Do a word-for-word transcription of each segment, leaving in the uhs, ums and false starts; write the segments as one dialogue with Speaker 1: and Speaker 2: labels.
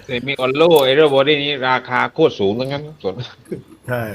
Speaker 1: แต่มีออลโลเอเรอร์บอดี้นี้ราคาโคตรสูงทั้งนั้นส่วน
Speaker 2: ใช่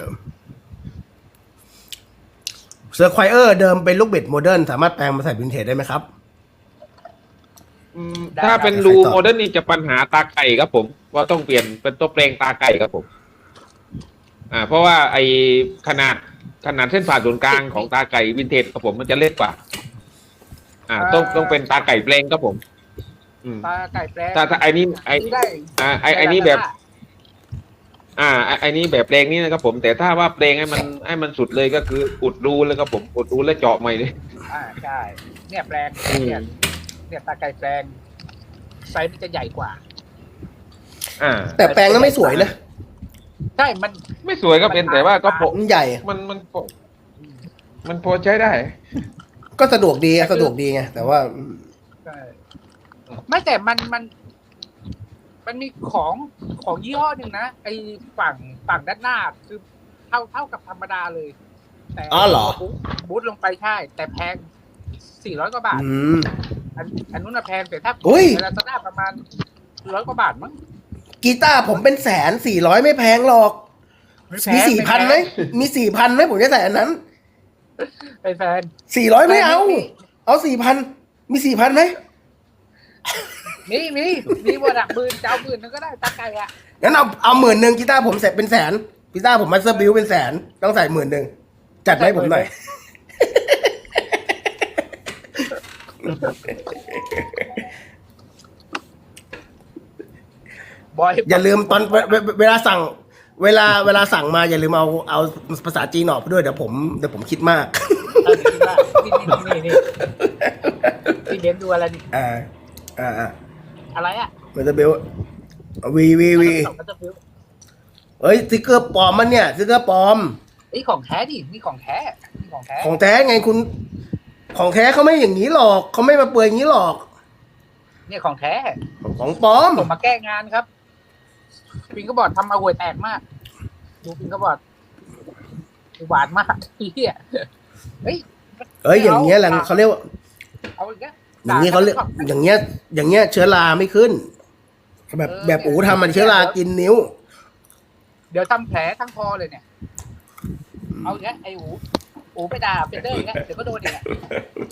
Speaker 2: เซอร์ไควเออร์เดิมเป็นลูกบิดโมเดิร์นสามารถแปลงมาใส่วินเทจได้ไหมครับ
Speaker 1: อืมถ้าเป็นรูโมเดิร์นนี่จะปัญหาตาไก่ครับผมว่าต้องเปลี่ยนเป็นตัวเปลงตาไก่ครับผม อ่า เพราะว่าไอขนาดขนาดเส้นผ่าศูนย์กลางของตาไก่วินเทจครับผมมันจะเล็กกว่า อ่า ต้องต้องเป็นตาไก่เปลงครับผม อืม
Speaker 3: ตาไก่แปลง
Speaker 1: ถ้าถ้าไอ้นี่ไอ้
Speaker 3: ได้
Speaker 1: อ่าไอ้ไอ้นี่แบบ อ่าไอ้ไอ้นี่แบบเพลงนี่นะครับผม แต่ถ้าว่าเพลงให้มันให้มันสุดเลยก็คืออุดรูเลยครับผมอุดรูแล้วเจาะใหม่เลย
Speaker 3: อ่าใช่เนี่ยแปลง
Speaker 1: อืม
Speaker 3: เนี่ยเนี่ยตาไก่แปลงไซส์มันจะใหญ่กว่า
Speaker 1: อ่า
Speaker 2: แต่แปลงนั้นไม่สวยนะ
Speaker 3: ใช่มัน
Speaker 1: ไม่สวยก็เป็นแต่ว่าก็พอ
Speaker 2: มันใหญ่
Speaker 1: มันมันพอมันพอใช้ได้
Speaker 2: ก็สะดวกดีอะสะดวกดีไงแต่ว่า
Speaker 3: ใช่ไม่แต่มันมัน มันมีของของยี่ห้อหนึ่งนะไอฝั่งฝั่งด้านหน้าคือเท่าเท่ากับธรรมดาเลย แต่
Speaker 2: อ๋อเหรอ
Speaker 3: บูทบูทลงไปใช่ แต่แพงสี่ร้อยกว่าบาท
Speaker 2: อืม
Speaker 3: อันอันนู้นน่ะแพงแต่ถ้า
Speaker 2: อุ้ย
Speaker 3: เวลาซาด้าประมาณร้อยกว่าบาทมั้ง
Speaker 2: กีตาร์ผมเป็นแสนสี่ร้อยไม่แพงหรอก
Speaker 3: ไแพ
Speaker 2: มี
Speaker 3: ง
Speaker 2: สี่พันไหมมีสี่พันไหมผมจะใส่อันนั้น
Speaker 3: เป็นแฟน
Speaker 2: สี่ร้อยไม่เอา
Speaker 3: ไม่
Speaker 2: เอาสี่พันมีสี่พันไหม
Speaker 3: มีมีมีบดักบืนเจ้าบืนนึงก็ได้ตาไก่อะ
Speaker 2: งั้นเอาเอาหมื่นหนึ่งกีตาร์ผมเสร็จเป็นแสนกีตาร์ผมมาสเตอร์บิวเป็นแสนต้องใส่หมื่นหนึ่งจัดให้ผมหน่อย
Speaker 3: บอย
Speaker 2: อย่าลืมตอนเวเวเวลาสั่ง เวลาเวลาสั่งมาอย่าลืมเอาเอาภาษาจีนออกไปด้วยเดี๋ยวผมเดี๋ยวผมคิดมาก
Speaker 3: เออคิดว่านี่นี่นี่นี่พี่เบนดูอะไรนี่
Speaker 2: อ่าอ่าอ่า
Speaker 3: อะไรอะ
Speaker 2: มันจะเบลวีวีวี
Speaker 3: มันจะฟิว
Speaker 2: เฮ้ยสติ๊กเกอร์ปลอมมันเนี่ยสติ๊กเกอร์ปลอม
Speaker 3: ไอ้ของแท้ดินี่ของแท้นี่ของแท้
Speaker 2: ของแท้ไงคุณ ของแท้เขาไม่อย่างนี้หรอกเขาไม่มาเปลือยอย่างนี้หรอก
Speaker 3: เนี่ยของแท้
Speaker 2: ของปลอม
Speaker 3: ผมมาแก้งานครับปิงก็บอดทำเอาห่วยแตกมาก ดูปิงก็บอดหวานมากเฮียเฮ้ย
Speaker 2: เอ้ยอย่างเงี้ยแหละเขาเรียกว่า
Speaker 3: เอาอีกแล้ว
Speaker 2: อย่างนี้เขาเรียกอย่างเงี้ย อย่างเงี้ยเชื้อราไม่ขึ้น แบบแบบอูทำมันเชื้อรากินนิ้ว
Speaker 3: เดี๋ยวทำแผลทั้งคอเลยเนี่ย เอาอีกแล้วไอ้อูอูไปด่าเป็นเดอร์อีกแล้วเดี๋ยวก็โดนอีกแล้ว